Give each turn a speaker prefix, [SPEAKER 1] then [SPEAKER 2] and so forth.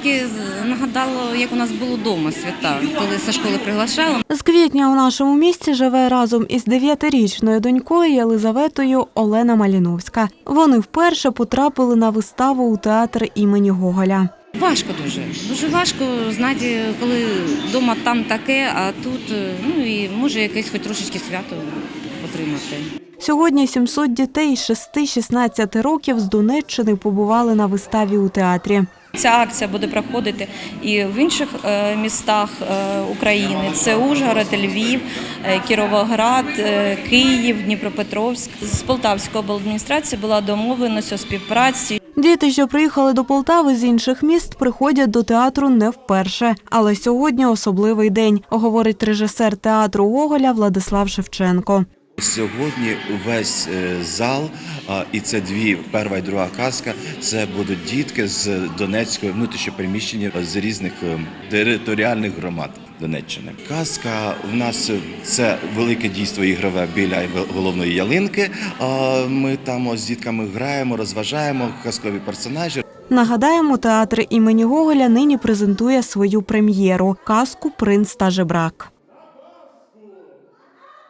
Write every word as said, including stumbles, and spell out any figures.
[SPEAKER 1] трошки нагадало, як у нас було вдома свята, коли зі школи приглашали.
[SPEAKER 2] З квітня у нашому місті живе разом із дев'ятирічною донькою Єлизаветою Олена Маліновська. Вони вперше потрапили на виставу у театр імені Гоголя.
[SPEAKER 1] Важко дуже. Дуже важко, знаєте, коли вдома там таке, а тут, ну і може якесь хоч трошечки свято отримати.
[SPEAKER 2] Сьогодні сімсот дітей з шести-шістнадцяти років з Донеччини побували на виставі у театрі.
[SPEAKER 3] Ця акція буде проходити і в інших містах України. Це Ужгород, Львів, Кіровоград, Київ, Дніпропетровськ. З Полтавської обладміністрації була домовленість у співпраці.
[SPEAKER 2] Діти, що приїхали до Полтави з інших міст, приходять до театру не вперше. Але сьогодні особливий день, говорить режисер театру Гоголя Владислав Шевченко.
[SPEAKER 4] Сьогодні весь зал, і це дві, перша і друга казка, це будуть дітки з Донецької, внутрішньопереміщені, з різних територіальних громад Донеччини. Казка в нас – це велике дійство ігрове біля головної ялинки. Ми там з дітками граємо, розважаємо казкові персонажі.
[SPEAKER 2] Нагадаємо, театр імені Гоголя нині презентує свою прем'єру – казку «Принц та жебрак».